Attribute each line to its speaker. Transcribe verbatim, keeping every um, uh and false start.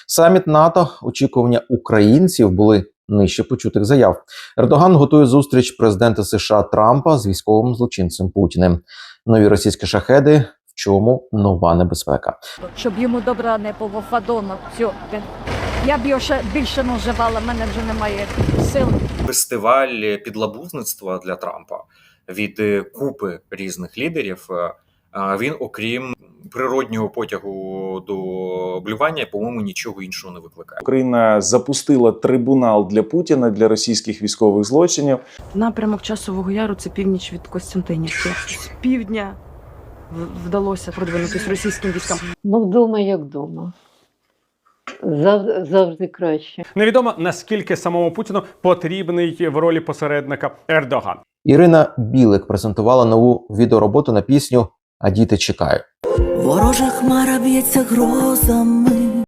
Speaker 1: Саміт НАТО, очікування українців були нижче почутих заяв. Ердоган готує зустріч президента США Трампа з військовим злочинцем Путіним. Нові російські шахеди. В чому нова небезпека?
Speaker 2: Щоб йому добра не було, Фадона, все. Я б його ще більше не вживала, в мене вже немає сил.
Speaker 3: Фестиваль підлабузництва для Трампа від купи різних лідерів, він, окрім природнього потягу до блювання, по-моєму, нічого іншого не викликає.
Speaker 4: Україна запустила трибунал для Путіна, для російських військових злочинів.
Speaker 5: Напрямок Часового Яру – це північ від Костянтинівки. З півдня вдалося продвинутися російським військам.
Speaker 6: Ну, вдома як вдома. Завжди, завжди краще.
Speaker 7: Невідомо, наскільки самому Путіну потрібний в ролі посередника Ердоган.
Speaker 1: Ірина Білик презентувала нову відеороботу на пісню «А діти чекають».
Speaker 8: Ворожа хмара б'ється грозами.